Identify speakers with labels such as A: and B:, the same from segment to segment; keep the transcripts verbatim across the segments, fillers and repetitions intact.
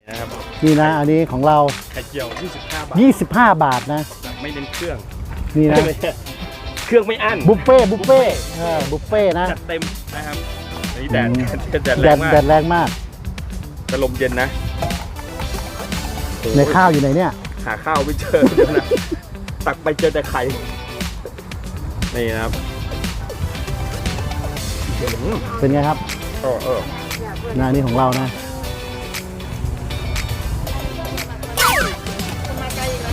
A: นะครับ
B: นี่นะอันนี้ของเรา
A: ไข่เจียวยี่สิบห้าบาท
B: ยี่สิบห้าบาทนะ
A: แบบไม่เน้นเครื่อง
B: นี่นะ
A: เครื่องไม่อั้น
B: บุฟเฟ่บุฟเฟ่เออบุฟเฟ่นะ
A: จัดเต็มนะครับนี่แดด
B: อืม
A: แดด
B: แด
A: แรง
B: ด
A: มาก
B: แดดแรงมาก
A: แต่ลมเย็นนะ
B: ในข้าวอยู่ไหนเนี่ย
A: หาข้าวไม่เจอเดี๋ยวนะตักไปเจอแต่ไข่นี่นะครับ
B: เป็นไงครับ
A: เออเออ
B: นะอันนี้ของเรานะ
C: มาไกลอีกแล้ว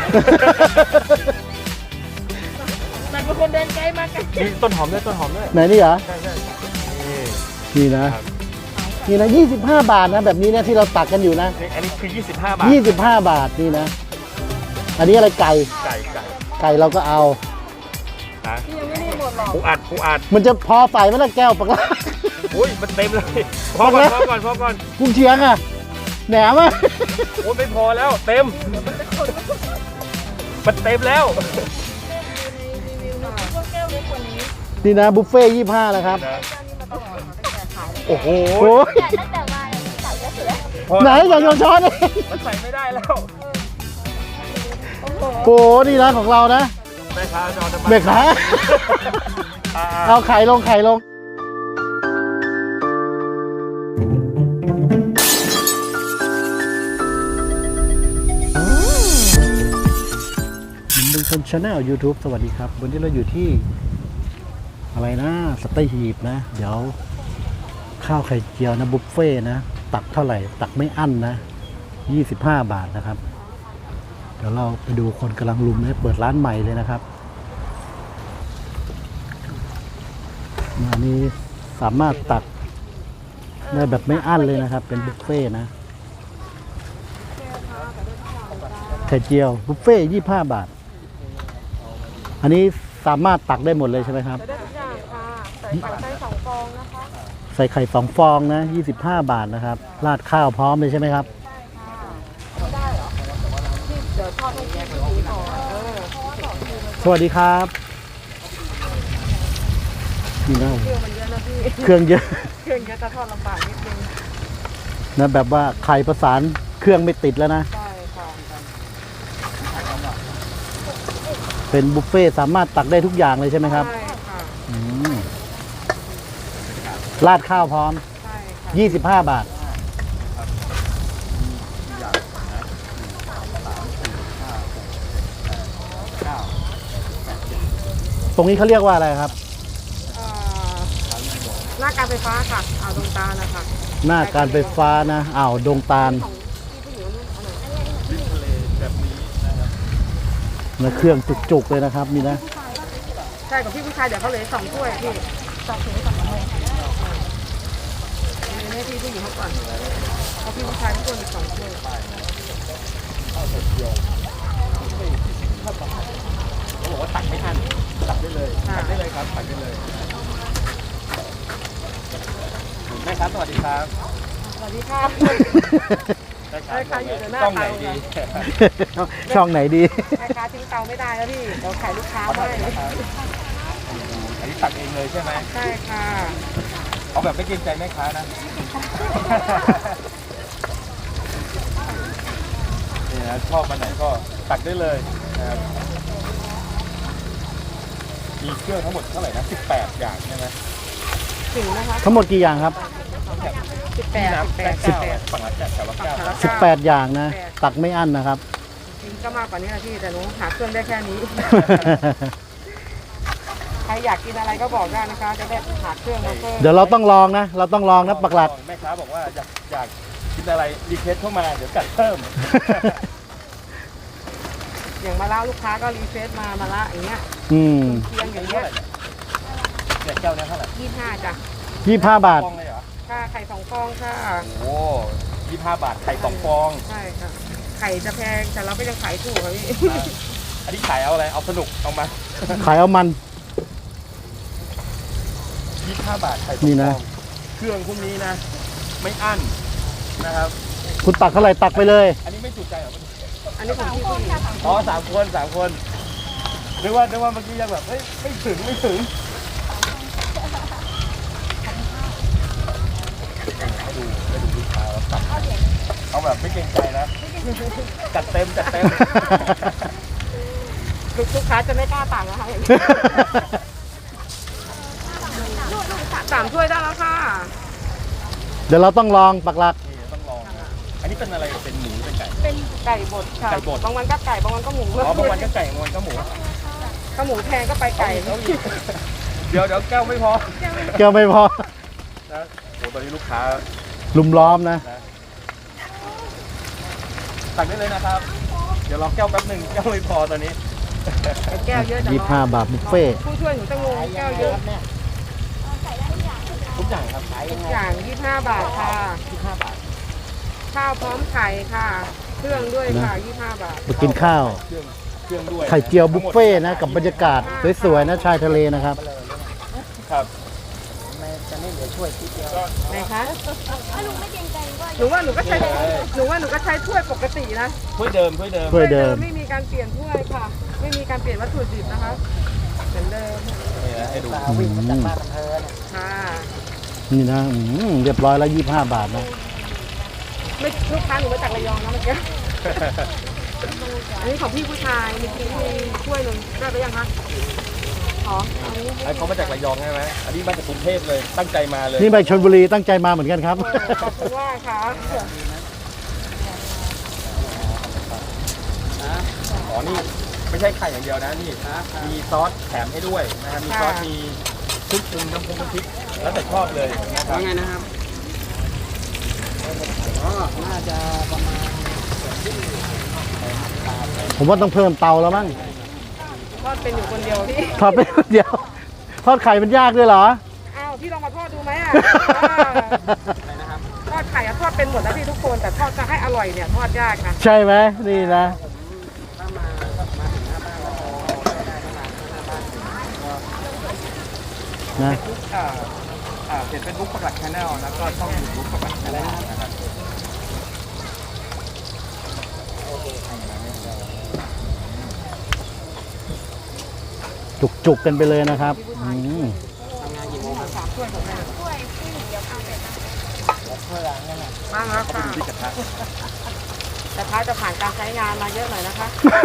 C: มันเป็นคนเดินไกลมาไกล
A: นี่ต้นหอมด้วยต้นหอมด้วย
B: ไหนนี่เหรอ
A: ใช่ใช่นี่
B: นี่นะครับ นี่นะยี่สิบห้าบาทนะแบบนี้เนี่ยที่เราตักกันอยู่นะ
A: นี่อันนี้คือยี่สิบห้าบาท
B: ยี่สิบห้าบาทนี่นะอันนี้อะไรไก่
A: ไก่ไก่
B: ไก่เราก็เอา
A: นะ
C: พี่ยังไม่ได้หมดหรอก
A: ปูอัดปูอัด
B: มันจะพอใส่ไหมล่ะแก้วปากลา
A: อุ้ยมันเต็มเลยพอก่อนพอก่อนพอก่อน
B: กุ้งเชียงอ่ะแหนมอ่ะ
A: โอ้ยไม่พอแล้วเต็มมันเต็มแล้ว
C: ในรีวิวนะพวกแก้วเล็กกว่านี้
B: นี่นะบุฟเฟ่ยี่ห้านะครับ
C: แก้วนี้มาตลอดตั้งแต่ขาย
A: โอ้โห
B: โอ้ย
C: ตั้งแต่มาเนี่ยใส่แล้วเสือ
A: พอ
B: ไหนอย่าโยนช้อนเลย
A: มันใส่ไม่ได้แล้ว
C: โอ้โห
B: โอ้โหนี่นะของเรานะ
A: แม่ค้าจะเอาน้ำมัน
B: เบรกขา
A: อ่า
B: เอาไข่ลงไข่ลงมันเป็นคนชาแนล YouTube สวัสดีครับ วันนี้เราอยู่ที่อะไรนะสเตหีบนะ เดี๋ยวข้าวไข่เจียวนะบุฟเฟ่นะ ตักเท่าไหร่ ตักไม่อั้นนะยี่สิบห้าบาทนะครับ เดี๋ยวเราไปดูคนกำลังลุมนะเปิดร้านใหม่เลยนะครับอันนี้สามารถตักได้แบบไม่อั้นเลยนะครับ เป็นบุฟเฟ่นะไข่เจียวบุฟเฟ่ยี่ห้าบาท อันนี้สามารถตักได้หมดเลยใช่ไหมครับ
C: ได้ทุกอย่างค่ะใส่ไข่ไส้สองฟองนะคะ
B: ใส่ไข่สองฟองนะยี่สิบห้าบาทนะครับราดข้าวพร้อมเลยใช่ไหมครับ
C: ไม่ได้เหรอที่เดี๋ยวทอดให้พี่ดูก่อนเออ
B: สวัสดีครับนี่นะ
C: เครื่องมันเยอะนะพี่
B: เครื่องเยอะ
C: เครื่องเยอะจะทอดลำบากนิดนึง
B: นะแบบว่าไข่ประสานเครื่องไม่ติดแล้วนะ
C: ใช่ค่ะ
B: เป็นบุฟเฟ่ต์สามารถตักได้ทุกอย่างเลยใช่ไหมครับ
C: ใช่ค่ะ
B: อืมราดข้าวพร้อม
C: ใช่ค่ะ
B: ยี่สิบห้าบาท ตรงนี้เขาเรียกว่าอะไรครับ
C: เอ่อหน้าการไฟฟ้าค่ะอ่าวดงตาลนะคะ
B: หน้าการไฟฟ้านะอ่าวดงตาล
C: ของพี่ผู้หญิงนู่นเอาหน่อย
A: แบบนี้นะครับ
B: นะเครื่องจุกๆเลยนะครับนี่นะ
C: ใช่ของพี่ผู้ชายเดี๋ยวเขาเหลยสองถ้วยพี่สองถุงสองถ้วยให้พี่ผู้หญิงเขาก่อนเอาพี่ผู้ชายทุกคนอีกสองถ้วย
A: เขาบอกว่าตักไม่ทันตักได้เลยตักได้เลยครับตักได้เลยแม่ครับสวัสดีครับ
C: สวัสดีค่ะ
A: แม่
C: แม่ค้าอยู่แต่หน้า
A: ต้องไหน
C: เตา
A: ดี
B: ช่องไหนดี
C: แม่ค้าทิ้งเตาไม่ได้แล้วพี่เดี๋ยวขายลูกค้าไม่
A: อันนี้ตักเองเลยใช่ไหม
C: ใช่ค่ะ
A: เอาแบบไม่เกรงใจแม่ค้านะนี่นะชอบมันไหนก็ตักได้เลยนะครับมีเครื่องทั้งหมดเท่าไหร่นะสิบแปดอย่างใช่ไหม
C: ถึงนะคะ
B: ทั้งหมดกี่อย่างครับ
C: สิบแปด
A: น้ำ
C: สิบ
A: แป
C: แป
A: ด
C: ด
A: สิบแปดฝั่งละแปดแต่ละเก้า
B: สิบแปดอย่างนะ ตักไม่อั้นนะครับ
C: จริงก็มากกว่านี้นะพี่แต่หนูหาเครื่องได้แค่นี้ ใครอยากกินอะไรก็บอกได้นะคะ จะได้หาเครื่องมาเพิ่ม
B: เดี๋ยวเราต้องลองนะ เราต้องลองนะปักหลัด
A: แม่ค้าบอกว่าอยากอยากกินอะไรรีเควสเข้ามาเดี๋ยวจัดเพิ่ม
C: อย่างมาละลูกค้าก็รีเฟซมามาละอย่างเงี้ย
B: อืม
C: เคียงอย่างเงี้ย
A: เนี่ยแก้วเนี้ยเท่าไหร่
C: ยี่ห้าจ้ะ
B: ยี่ห้าบาท
A: ฟองเลยเหรอ
C: ค่าไข่สองฟองค่ะ
A: โอ้ยี่ห้าบาทไข่สองฟอง
C: ใช่ค่ะ ไข่จะแพงแต่เราก็ยังขายถูกค่ะพี่
A: อันนี้ขายเอาอะไรเอาสนุกเอามา
B: ขายเอามัน
A: ยี่ห้าบาทไข่สอง
B: นี่
A: ฟ
B: นะ
A: องเครื่องพวกนี้นะ ไม่อั้นนะครับ
B: คุณตักเท่าไหร่ตักไปเลย
A: อันนี้ไม่จุใจเหรอ
C: อันนี้ของพี่ผู้หญิง
A: อ๋อสามคนสามคนนึกว่านึกว่าเมื่อกี้ยังแบบเฮ้ยไม่ถึงไม่ถึงให้ดูให้ดูวิค้าเราตัดเอาแบบไม่เกรงใจนะจัดเต็มจัดเต็ม
C: ลูกลูกค้าจะไม่กล้าต่างนะคะอย่างนี้สามถ้วยได้แล้วค่ะ
B: เดี๋ยวเราต้องลองปักหลัก
A: นี่ต้องลองนะอันนี้เป็นอะไรเป็นหมูเป็นไก่
C: เป็นไก่บดค่ะ
A: ไก่บด
C: บางวันก็ไก่บางวันก็หมู
A: อ๋อบางวันก็ไก่บางวันก็หมู
C: ก็หมูแพงก็ไปไก่
A: เดี๋ยวเดี๋ยวแก้วไม่พอ
B: เกี่ยวไม่พอ
A: นะโอ้ตอนนี้ลูกค้า
B: ลุมล้อมนะ
A: สั่งได้เลยนะครับ เดี๋ยวรอแก้วแป๊บหนึ่งแก้วไม่พอตอนนี้
C: แก้วเยอะจัง
B: ยี่สิบห้าบาทบุฟเฟ่ต์
C: ผู้ช่วยหนูจะงงแก้วเยอะ
A: ทุกอย่างครับขาย
C: ทุกอย่างยี่สิบห้าบาทค่ะ
A: ยี่สิบห้าบาท
C: ข้าวพร้อมไข่ค่ะ เครื่องด้วยค่ะยี่สิบห้าบาท
B: มากินข้าว
A: เครื่องเครื่องด้วย
B: ไข่เจียวบุฟเฟ่ต์นะ กับบรรยากาศสวยๆนะชายทะเลนะครับ
A: ครับ
C: ไหนคะหนูว่าหนูก็ใช้หนูว่าหนูก็ใช้ถ้วยปกตินะ
A: ถ้วยเดิมถ้วยเดิม
B: ถ้วยเดิม
C: ไม่มีการเปลี่ยนถ้วยค่ะ ไม่มีการเปลี่ยนวัตถุดิบนะคะเหมือนเดิม
A: นี่นะให้ดู
B: อืม
C: ค่ะ
B: นี่นะอืมเรียบร้อยแล้วยี่สิบห้าบาทนะ
C: ไม่ลูกค้าหนูมาจากระยองนะเมื่อกี้ อันนี้ของพี่ผู้ชายมีมีถ้วยหนึ่งได้ไปยังคะอ๋ออันนี้
A: ไอ้เขามาจากระยองใช่ไหมอันนี้มาจากกรุงเทพเลยตั้งใจมาเลย
B: นี่ไปชลบุรีตั้งใจมาเหมือนกันครับ
C: ขอบคุณมากค่ะ
A: อ๋อนี่ไม่ใช่ไข่อย่างเดียวนะนี่มีซอสแถมให้ด้วยนะครับมีซอสมีพริกปรุงน้ำปรุงน้ำพริกแล้วแต่ชอบเลยนะครับ
D: ว่าไงนะครับอ๋อน่าจะประมาณ
B: ผมว่าต้องเพิ่มเตาแล้วมั้ง
C: ทอดเป็นอยู่คนเดียวพี่
B: ทอดไปคนเดียว ทอดไข่มันยากด้วยเหรอ
C: อ้าวพี่ลองมาทอดดูไหมอ่ะทอดไข่อะทอดเป็นหมดแล้วพี่ทุกคนแต่ทอดจะให้อร่อยเนี่ยทอดยากนะ
B: ใช่ไหมนี่นะ
D: ถ้ามาก็มาถึงหน้าบ้านเราได้ประมาณหน้าบ้าน
B: นะ
A: อ่าอ่าเพจเฟซบุ๊กปักหลักชาแนลแล้วก็ช่องยูทูบปักหลักชาแนลนะครับ
B: จุกๆกันไปเลยนะครับอืม
D: ทำงานกี่โมงครับ
C: สามถ้วยของแม่
D: เพื่อเนี่ยนะ
C: บ้างแล้วค่ะ
A: ที่กระทะ
C: แต่ท้ายจะผ่านการใช้งานมาเยอะหน่อยนะคะ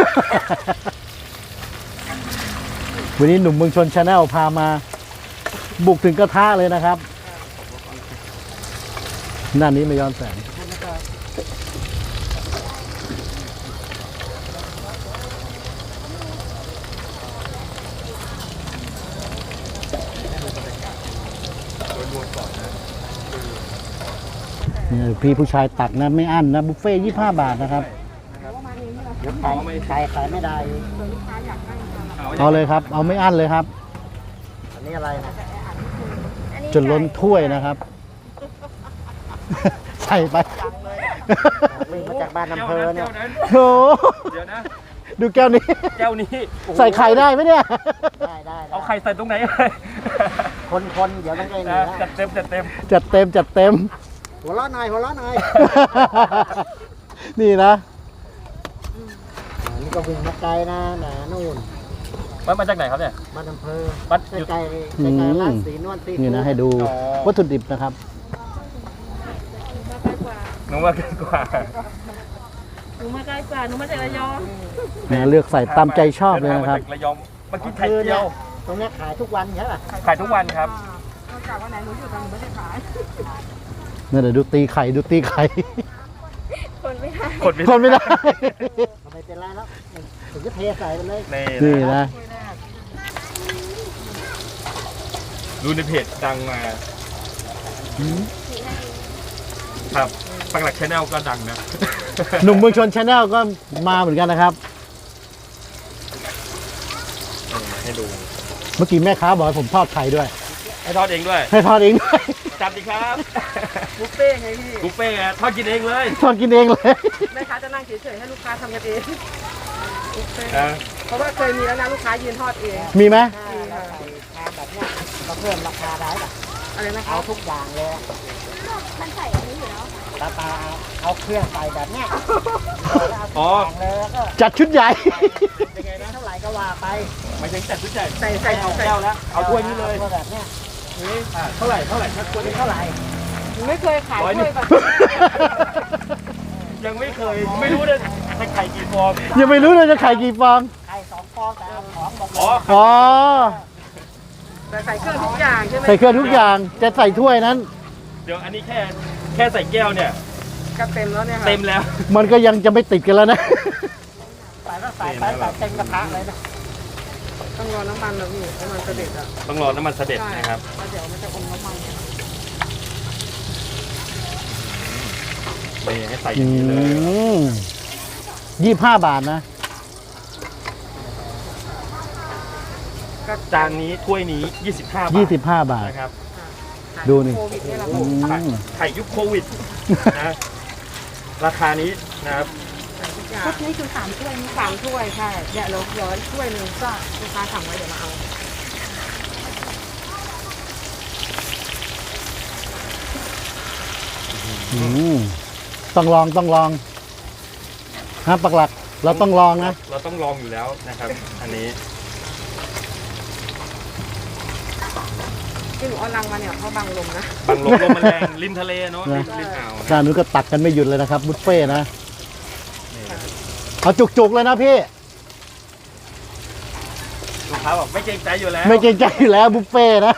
B: วันนี้หนุ่มเมืองชนชาแนลพามา บุกถึงกระทะเลยนะครับด้านนี้ไม่ย้อนแสง นี่พี่ผู้ชายตักนะไม่อั้นนะบุฟเฟ่ยี่สิบห้าบาทนะครับ
D: เดี๋ยวขายขายขายไม่ได้
B: เอาเลยครับ เอาไม่อั้นเลยครับ
D: อันนี้อะไรนะ
B: จนล้นถ้วยนะครับ ใส่ไป
D: วิ่งมาจากบ้านอำเภอเนี่ย
B: โอ้โห
A: เดี๋ยวนะ
B: ดูแก้วนี้
A: แก้วนี้โอ้โห
B: ใส่ไข่ได้ไหมเนี่ย
D: ได้ได้
A: เอาไข่ใส่ตรงไหนเลย
D: คนคนๆเดี๋ยวต้องได้
A: นะ
D: นี่
A: จัดเต็มจัดเต็ม
B: จัดเต็มจัดเต็ม
D: หัวเราะหน่อยหัวเราะหน่อย
B: นี่นะ
D: อ่านี่ก็วิ่งมาไกลนะแหมนู่น
A: มันมาจากไหนครับเนี่ย
D: บ้านอำเภอ
A: บ้าน
D: ใกล้ใกล้ใกล้ๆร้านสีนวลสี
B: นี่นะให้ดู
A: อ๋อ
B: วัตถุดิบนะครับ
A: หนูว่าเกินกว่า
C: หนูมาใกล้กว่าหนูมาจากระยอง
B: เนี่ยเลือกใส่ตามใจชอบเลยนะครับ
A: ดิทางมาจากระยองมากินไข่เจียว
D: ตรงเนี้ยขายทุกวันใช่ป่ะ
A: ขายทุกวันครับ
C: นอกจากวันไหนหนูอยู่แต่หนูไม่ได้ขาย
B: นี่เดี๋ยวดูตีไข่ดูตีไข่
C: คนไม่ได้
A: คนไม่
B: ทนไม่ได้
D: ไม่เป็นไรแล้วถึงจะเทใส่ไปเลย
A: นี่
B: นี่
A: นะ
B: นะ
A: ดูในเพจดังมาครับปักหลักชาแนลก็ดังนะ
B: หนุ่มเมืองชนชาแนลก็มาเหมือนกันนะครับ
A: ให้ดู
B: เมื่อกี้แม่ค้าบอกให้ผมทอดไข่ด้วย
A: ให้ทอดเองด้วย
B: ให้ทอดเองด้วย
A: จัดดีครับ
C: บุฟเฟ่ต์ไงพี่
A: บุฟเฟ่ต์อะทอดกินเองเลย
B: ทอดกินเองเลย
C: แม่ค้าจะนั่งเฉยๆให้ลูกค้าทำกันเองบุฟเฟ่ต์
A: นะ
C: เพราะว่าเคยมีแล้วนะลูกค้ายืนทอดเอง
B: มีไหม
D: ถ้าเราใส่ชามแบบเนี้ยก็เพิ่มราคาได้ป่ะ
C: อะไรนะคะ
D: เอาทุกอย่างเลยอะ
C: มันใส่อันนี้อยู่แล้ว
D: ตาตาเอาเครื่องใส่แบบเนี้ยแล้วเอาทุก
A: อ๋อ
D: อย่างเลยแล้วก็
B: จัดชุดใหญ่
A: ยังไงนะ
D: เท่าไหร่ก็ว่าไป
A: หมายถึงจัดชุดใหญ่
C: ใส่ใส่
A: เอา
C: ใส่
A: แก้วแล้วเอาถ้วยนี้เลย
D: อาแบบเนี้ย
A: นี่อ่ะเท่าไหร่เท่าไหร่ถ้าถ้วยนี้
D: เท่าไหร่
C: หนูไม่เคยขาย
A: ร้อยห
C: ถ้
A: นึ่
C: วย
A: ง
C: แบบ
A: ยังไม่เคยไม่รู้เลยจะไข่กี่ฟอง
B: ยังไม่รู้เลยจะขายกี่ฟอง
D: ไข่สองฟองแต่เอาของบอก
A: อ๋อ
B: อ๋อ
C: แต่ใส่เครื่องทุกอย่างใช่ไหม
B: ใส่เครื่องทุกอย่างจะใส่ถ้วยนั้น
A: เดี๋ยวอันนี้แค่แค่ใส่แก้วเนี่ย
C: ก็เต็มแล้วเนี่ยค่ะ
A: เต็มแล้ว
B: มันก็ยังจะไม่ติดกันแล้วนะ
D: ใส่ก็ใส่ไปใส่เต็มกระทะเลยนะ
C: ต้องรอน้ำมันนะพี่น้ำมันเสด็จอ่ะ
A: ต้องรอน้ำมันเสด็จนะครับ
C: แล้วเดี๋ยวมันจะอมน้ำมัน
A: นี่ให้ใส่อ
B: อื
A: ย่างนี้เลย
B: มยี่สิบห้าบาทนะ
A: จานนี้ถ้วยนี้ ยี่สิบห้าบาท
B: ยี่สิบห้าบาท
A: นะครับ
B: ดูนี่
C: โควิดนี่แหละ
B: อื
C: ค่ะ
B: ม
A: ไข่ยุคโควิดนะราคานี้นะครับ
C: ใส่ทุกอย่าง
E: ชุดนี้คือสามถ้วยนี่
C: สามถ้วยใช่เดี๋ยวเราเดี๋ยวถ้วยหนึ่งก็ลูกค้าสั่งไว้เดี๋ยวมาเอา
B: อืมต้องลองต้องลองฮะปักหลัก เราต้องลองนะ
A: เราต้องลองอยู่แล้วนะครับ อันนี้
C: ที่หนูเอาลังมาเนี่ยเพราะบังลมนะ
A: บางลมลมมันแรงริมทะเลเนาะริมริมอ่าวนะ
B: ด้านนู้นก็ตักกันไม่หยุดเลยนะครับ บุฟเฟ่ต์นะ เอาจุกๆเลยนะพี่
A: ลูกค้าบอกไม่เกรงใจอยู่แล้ว
B: ไม่เกรงใจอยู่แล้วบุฟเฟ่ต์นะ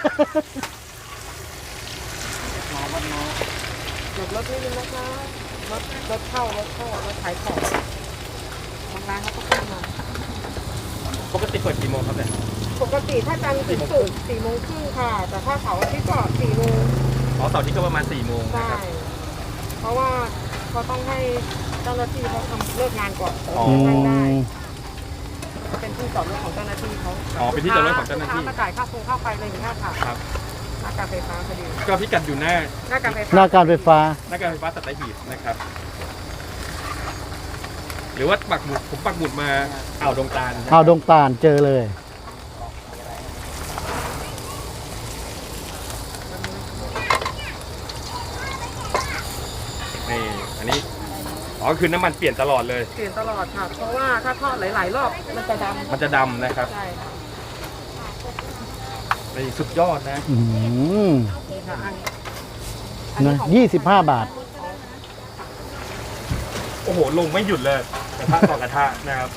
C: หยุดรถนิดนึงนะคะรถรถเข้ารถเข้ารถขายของบางร้านเขาก็ขึ้นมา
A: ปกติเปิดกี่โมงครับเนี่ย
C: ปกติถ้าจันทร์ถึงศุกร์สี่โมงครึ่งค่ะ แต่ถ้าเสาร์อาทิตย์ก็สี่โมง
A: อ๋อเสาร์อาที่ก็ประมาณสี่โมงนะ
C: ได้
A: ครับ
C: เพราะว่าเขาต้องให้เจ้าหน้าที่เขาทำเลิกงานก่อน
A: อ๋อ
C: ให้ได้เป็นที่จอดรถของเจ้าหน้าที่เขา
A: อ๋อเป็นที่จอดรถของเจ้าหน้าที่
C: ลูกค้มาจ่ายค่าโครงค่าไฟอะไรอย่างเงี้ยค่ะ
A: ครับ
C: หน้าการไฟฟ้าพอดี
A: ก็พิกัดอยู่หน้า
C: หน้าการไฟฟ้า
B: หน้าการไฟฟ้า
A: หน้าการไฟฟ้าสัตหีบนะครับ หรือว่าปักหมุดผมปักหมุดมาอ่าวดงตาลนะ
B: เอาดงตาลเจอเลย
A: นี่อันนี้อ๋อคือน้ำมันเปลี่ยนตลอดเลย
C: เปลี่ยนตลอดค่ะ เพราะว่าถ้าทอดหลาย ๆ รอบมันจะดำ
A: มันจะดำนะครับ
C: ใช่ค่ะ
A: นี่สุดยอดนะ
B: อืม
C: นี่ค่ะอันอันนี้
B: นะ
C: ของ
B: ยี่สิบห้าบาท
A: โอ้โหลงไม่หยุดเลยกระทะต่อกระทะนะครับ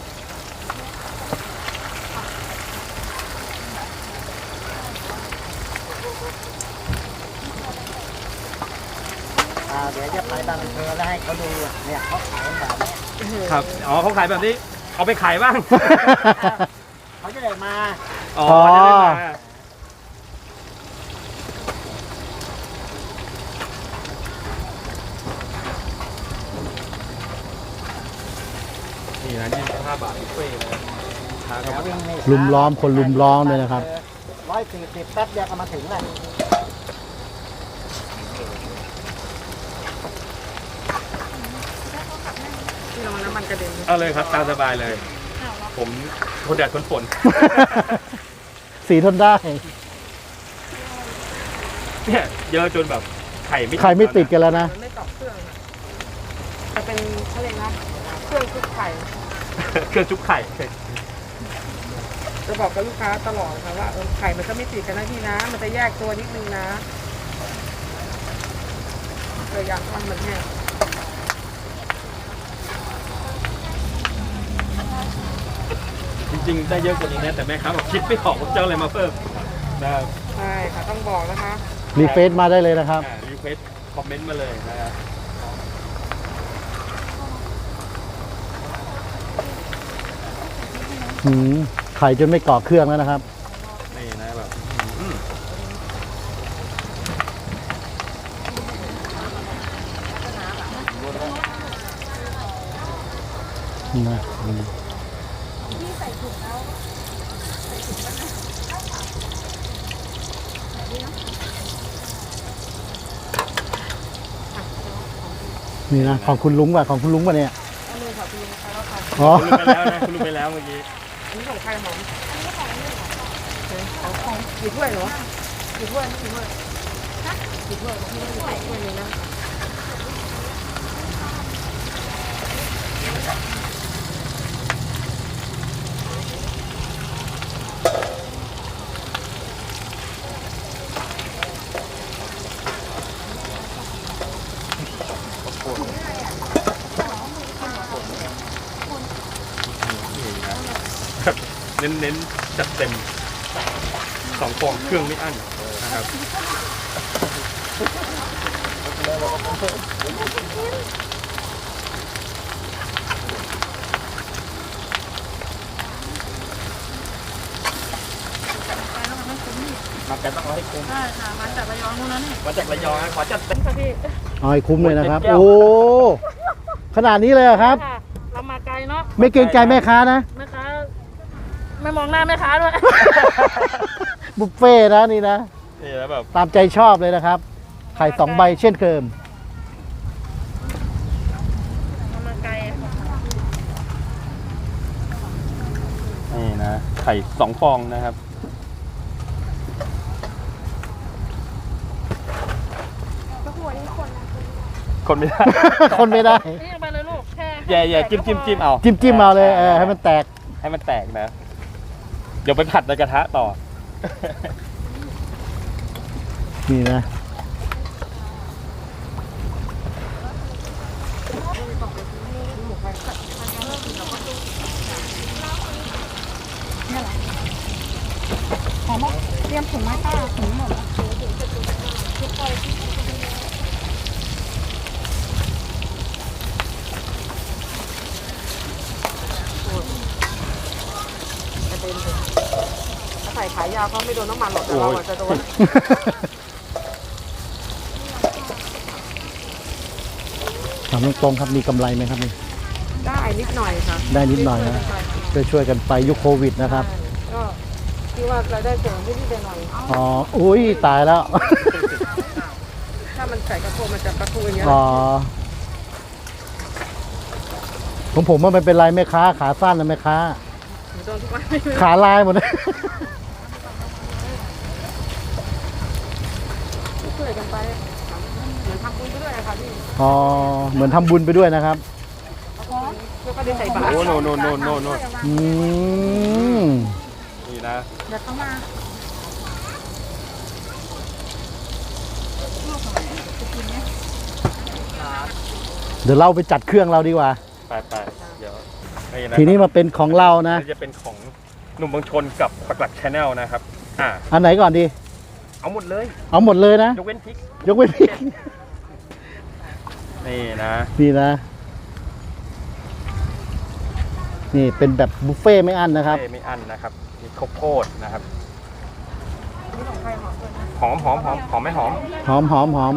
D: อ่าเดี๋ยวจะไปบางอำเภอแล้วให้เขาดูอ่ะเนี่ยเขาขายแบบนี้
A: ครับอ๋อเขาขายแบบนี้ เอาไปขายบ้าง
D: เขาจะได้มา
A: อ๋อ
B: อ๋อ
A: จะได้มานี่นะยี่สิบห้าบาทบุฟเฟ่ต์เลยลูกค้าก็มา
D: วิ่งนี่
B: ลุมล้อมคนลุมล้อมเลยนะครับ
D: ร้อยสี่สิบแป๊บเดียวก็มาถึงแล้ว
C: ที่เราน้ำมันกระเด็น
A: เอาเลยครับตามสบายเลย ผมทนแดดทนฝน
B: สีทนได้
A: เนี่ยเยอะจนแบบไข่ไม่
B: ใครไม่ติดกันแล้วนะ
C: มันไม่ตอกเครื่องอะจะเป็นเขาเรียกนะเครื่องคลุกไข่
A: เครื่องจุกไข่
C: จะบอกกับลูกค้าตลอดค่ะว่าเออไข่มันก็ไม่ติดกันนะพี่นะ มันจะแยกตัวนิดนึงนะเลยอยากทำมันแห้ง
A: จริงๆได้เยอะกว่านี้นะแต่แม่ค้าบอกคิดไม่ออกว่าจะเอาอะไรมาเพิ่มนะครับ
C: ใช่ค่ะต้องบอกนะคะ
B: รีเฟซมาได้เลยนะครับ
A: รีเควสคอมเมนต์มาเลยนะครับ
B: หืมไข่จนไม่เกาะเครื่องแล้วนะครับ
A: นี่นะแบบอื้อ
B: นะอืมนี่นะของคุณลุงป่ะของคุณลุงป่ะเนี่ย
C: อันนี้ค่ะคุณลุงใครแล้วค่ะ
B: อ๋อ
A: คุณรู้ไปแล้วนะคุณรู้ไปแล้วเมื่อกี้
C: อันนี้ของใครหอมอันนี้ของนี่ของของกี่ถ้วยเหรอกี่ถ้วยกี่ถ้วยกี่ถ้วยกี่ถ้วยกี่ถ้วยเลยนะ
A: เน้นเน้นจัดเต็มสองฟองเครื่องไม่อั้นนะครับมากันต้องเอาให้คุ้ม
C: ใช่ค่ะมาจากระยองนู่นนะนี่
A: มาจากระยองนะขอจัดเต็ม
C: ค่ะพี่
B: เอาให้คุ้มเลยนะครับ
A: เจ็ดแก้ว
B: โอ้ขนาดนี้เลยเหรอครับ
C: ค่ะเรามาไกลเนาะ
B: ไม่เกรงใจแม่ค้านะ
C: แม่ค้าไม่มองหน้าแม่ค้าด้วย
B: บุฟเฟ่ต์นะนี่นะ
A: นี่แล้วแบบ
B: ตามใจชอบเลยนะครับ ไข่สองใบเช่นเดิม
C: เรามาไกล
A: นี่นะไข่สองฟองนะครับ คนไม่ได้
B: คนไม่ได้
C: นี่ไปเลยลูกแค่
A: แย่แย่จิ้มจิ้มจิ้มเอา
B: จิ้มจิ้มเอาเลยเออให้มันแตก
A: ให้มันแตกนะ เดี๋ยวไปผัดในกระทะต่อ
B: นี่นะ
C: เตรียมถุงไม้ป้าถุงหมดใส่ขายาวเขาไม่โดนน้ำมันหรอกแต่เราอาจจะโดน
B: ถามตรงๆครับมีกำไรไหมครับนี่
C: ได้นิดหน่อยค่ะ
B: ได้นิดหน่อยนะช่วยๆกันไปยุคโควิดนะครับ
C: ก็คิดว่ารายได้เสริมนิดๆหน่อย
B: อ๋อ อุ้ยตายแล้ว
C: ถ้ามันใส่กระโปรงมันจะกระทูอย่างเงี้ย
B: อ๋อของผมว่ามันเป็นลายแม่ค้าขาสั้นนะแม่ค้า
C: โดนทุกวัน
B: ขาลายหมดเลย
C: ช่วยกันไปเหมือนทำบุญไปด้วยค่ะพี่
B: อ๋อ เหมือนทำบุญไปด้วยนะครับ
C: แล้วก็ได้ใส่บาตร
A: โอ้โนโนโนโนโน
B: อืม
A: นี่นะ
C: เดี๋ยวเข้ามา
B: เดี๋ยวเราไปจัดเครื่องเราดีกว่า
A: ไปไปเดี๋ยวนี่นะ
B: ทีนี้มาเป็นของเรานะ
A: นี่จะเป็นของหนุ่มบางชนกับปักหลักชาแนลนะครับ อ่า
B: อันไหนก่อนดี
A: เอาหมดเลย
B: เอาหมดเลยนะ
A: ยกเว้นพริก
B: ยกเว้นพี่
A: นี่นะ
B: นี่นะ นี่เป็นแบบบุฟเฟ่ต์ไม่อั้นนะครับ
A: เอ้ยไม่อั้นนะครับ มีข้าวโพดนะครับ
C: นี่ของใครหอมด้วยนะ
A: หอมหอมหอมหอมไม่หอม
B: หอมหอมหอม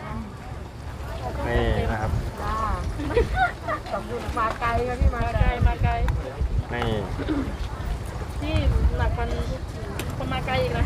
A: นี่นะครับ
C: จ้าขอบคุณมาไกลค่ะพี่มาไกลมาไกล
A: นี่
C: ที่หนักมันคนมาไกลอีกนะ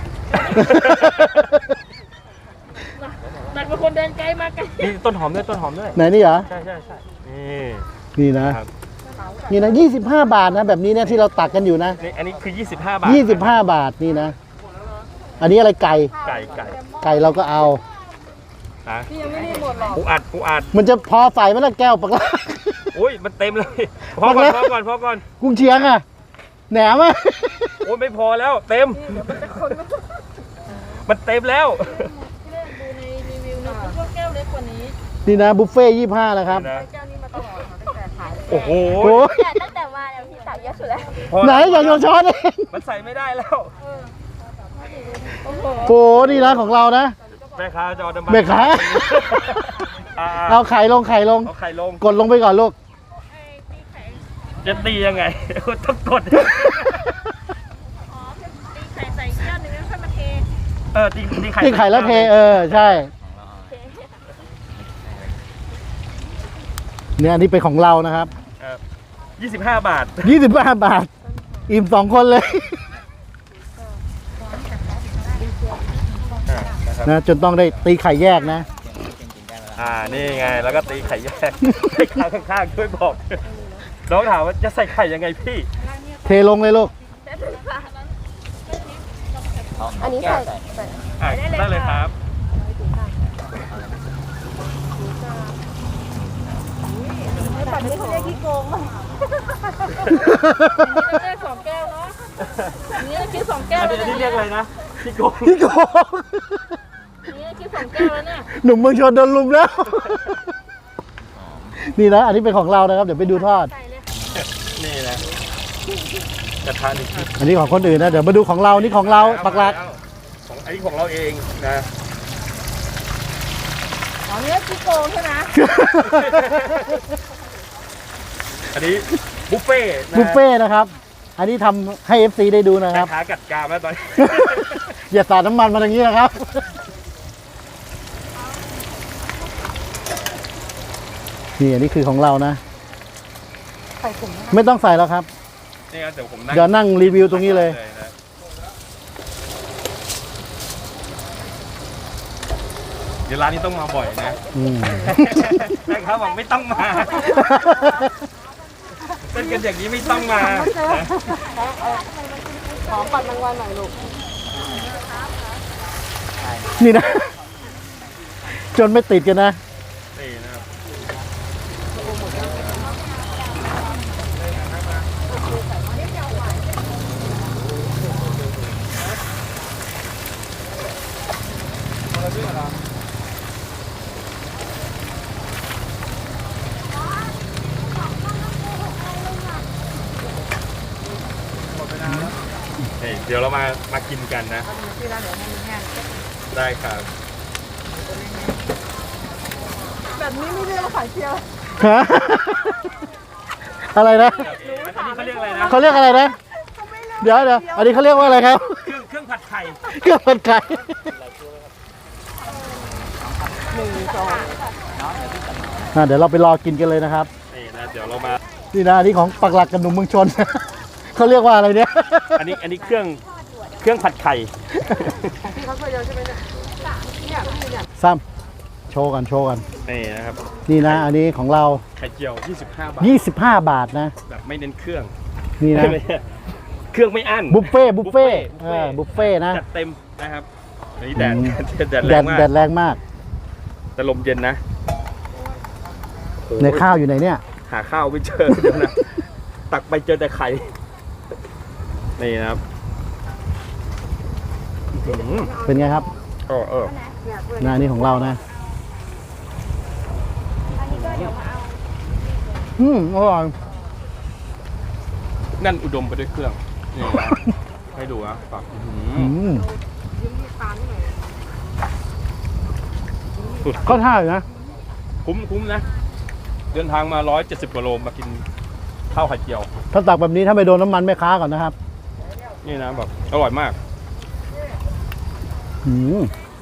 C: หนักกว่าคนเดินไกลมาไกล
A: นี่ต้นหอมด้วยต้นหอมด้วย
B: ไหนนี่เหรอ
A: ใช่ใช่ใช่นี่
B: นี่นะ
A: ครับ
B: นี่นะยี่สิบห้าบาทนะ แบบนี้เนี่ยที่เราตักกันอยู่นะ
A: นี่อันนี้คือ ยี่สิบห้า บาท
B: ยี่สิบห้าบาทนี่นะ อันนี้อะไรไก่
A: ไก่ไก่
B: ไก่เราก็เอา
A: นะ
C: พี่ยังไม่ได้หมดหรอก
A: ปูอัดปูอัด
B: มันจะพอใส่ไหมล่ะแก้วปากลา
A: อุ้ยมันเต็มเลยพอก่อนพอก่อนพอก่อน
B: กุ้งเชียงอะแหนมอะ
A: โอ้ยไม่พอแล้วเต็ม มันเต็มแล้ว
C: ที่แรกดูในรีวิวนะคิดว่าแก้วเล็กกว่านี้
B: นี่นะบุฟเฟ่ยี่ห้านะครับ
A: นะ
C: แก้วนี้มาตลอดค่ะตั้งแต่ขาย
A: โอ้โห
B: โอ้ย
E: แต่ตั้งแต่มาเนี่ยพี่ตักเยอะสุดแล้ว
A: พอ
B: ไหน
A: แล้ว
B: อย่าโยนช้อนเอง
A: มันใส่ไม่ได้แล้ว
C: โอ้โห
B: โอ้นี่นะของเรานะ
A: แม่ค้าจอดำ
B: แม่ค้า
A: อ่า
B: เอาไข่ลงไข่ลง
A: เอาไข่ลง
B: กดลงไปก่อนลูก
A: จะตียังไง ต้องกด
E: อ๋อตีไข่ใส่แก้วหนึ่งแล้วค่อยมาเท
A: เออตีตีไข่
B: ที่ไข่แล้วเทเออใช่ เนี่ยอันนี้เป็นของเรานะครับ
A: ยี่สิบห้าบาท
B: ยี่สิบห้าบาท อิ่มสองคนเลย
A: อ่านะครับ
B: นะจนต้องได้ตีไข่แยกนะ
A: อ่านี่ไงแล้วก็ตีไข่แยกให้ข้างข้างๆช่วยบอกน้องถามว่าจะใส่ไข่ยังไงพี่
B: เทลงเลยลูก
E: อันนี้ใส่ใส่
A: อ่าได้เลยครับ
E: แบบนี้เขาเรียกขี้โกงป่ะ
C: แก้วสองแก้วเนาะอันนี้คิดสองแก้ว
A: อัน
C: แล้ว
A: นี้
C: เนี่ย
A: เรียกอะไรนะพี่โกง
B: พี่โกง
C: อันนี้คิดสองแก้วแล้วเนี่ย
B: หนุ่มเมืองชนโดนลุมแล้ว นี่นะ อันนี้เป็นของเรานะครับ เดี๋ยวไปดูทอด
C: ใส่เลย
A: นี่นะกระทะหนึ่งคลิป
B: อันนี้ของคนอื่นนะ เดี๋ยวมาดูของเรา นี่ของเราปักหลัก
A: ของอันนี้ของเราเองนะ
C: อ๋อเนื้อขี้โกงใช่ไหม
A: อันนี้บุฟเฟ่ต์นะ
B: บุฟเฟ่ต์นะครับ อันนี้ทำให้ เอฟ ซี ได้ดูนะครับ
A: ขากัดกรามแล้วตอนนี้
B: อย่าสาดน้ำมันมาอย่างนี้นะครับ นี่อันนี้คือของเรานะ
C: ใส่ถุง
B: ไม่ต้องใส่แล้วครับ
A: นี่ครับเดี๋ยวผมนั่ง
B: เดี๋ยวนั่งรีวิวตรงนี้เลย
A: นะเดี๋ยวร้านนี้ต้องมาบ่อยนะ
B: อืม
A: แม่ค้าบอกไม่ต้องมาเป็นกันอย่างนี้ไม่ต้องมานะ
C: ขอปัดรางวัลหน่อยลูก
B: นี่นะ จนไม่ติดกันนะ
A: นี่นะครับนี่เดี๋ยวเรามามากินกันนะ
C: ที่ร้านเดี๋ยวให้มันแห้ง
A: ได้ครับ
C: แบบนี้ไม่เรียกว่าขายเจียว
B: ฮะ อะไรนะ
A: อันนี้เขาเรียกอะไรนะ
B: เขาเรียกอะไรนะ เดี๋ยวเดี๋ยวอันนี้เขาเรียกว่าอะไรครับ
A: เครื่องเครื่องผัดไข่
B: เครื่องผัดไก่
C: หนึ่งสอง
B: อ่ะเดี๋ยวเราไปรอกินกันเลยนะครับ
A: นี่นะเดี๋ยวเรามา
B: นี่นะอันนี้ของปักหลักกับหนุ่มเมืองชน เขาเรียกว่าอะไรเนี่ย
A: อันนี้อันนี้เครื่องเครื่องผัดไข่
C: ของพี่เขาช่วยเดียวใช่ไหมเนี่ยเนี่ยพี่เนี่ย
B: ซ้ำโชว์กันโชว์กัน
A: นี่นะครับ
B: นี่นะ อันนี้ของเรา
A: ไข่เจียว ยี่สิบห้า บาท
B: ยี่สิบห้า บาทนะ
A: แบบไม่เน้นเครื่อง
B: นี่นะ
A: เครื่องไม่อั้น
B: บุฟเฟ่ต์บุฟเฟ่ต์
A: บุฟ
B: เอ
A: เฟ่
B: อบุฟเฟ่ต์นะ
A: จัดเต็มนะครับอันนี้แดด
B: อืม
A: แดด
B: แด
A: แรง
B: ด
A: มาก
B: แดดแรงมาก
A: แต่ลมเย็นนะโอ้โห
B: ในข้าวอยู่ไหนเนี่ย
A: หาข้าวไม่เจอเดี๋ยวนะ ตักไปเจอแต่ไข่ นี่นะครับอื้อหือ
B: เป็นไงครับ
A: เออเออ
B: นะอันนี้ของเรานะ อืมอร่อย
A: นั่นอุดมไปด้วยเครื่อง นี่นะให้ดูนะปักอื้อหือ
B: อืม
C: ยิ้มที่ตาหน่อย
A: สุด
B: ก็ท่าอยู่นะ
A: คุ้มคุ้มนะ เดินทางมาร้อยเจ็ดสิบกว่าโลมากินข้าวไข่เจียว
B: ถ้าตักแบบนี้ถ้าไม่โดนน้ำมันแม่ค้าก่อนนะครับ
A: นี่นะแบบอร่อยมาก
B: อืม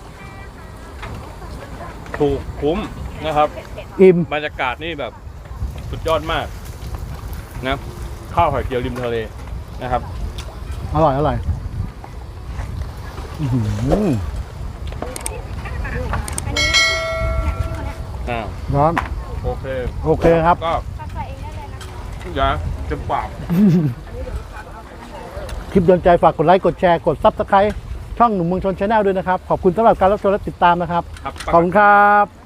A: ถูกคุ้มนะครับ
B: อิ่ม
A: บรรยากาศนี่แบบสุดยอดมากนะข้าวไข่เจียวริมทะเลนะครับ
B: อร่อยอร่อยอื้อหือ
A: อ่า
B: ร้อน
A: โอเค
B: โอเคครับ
A: ก็อย่าเต็มปาก
B: คลิปโดนใจฝากกดไลค์กดแชร์กดซับสไครต์ช่องหนุ่มเมืองชนชาแนลด้วยนะครับ ขอบคุณสำหรับการรับชมและติดตามนะครับ
A: ครับ
B: ขอบคุณครับ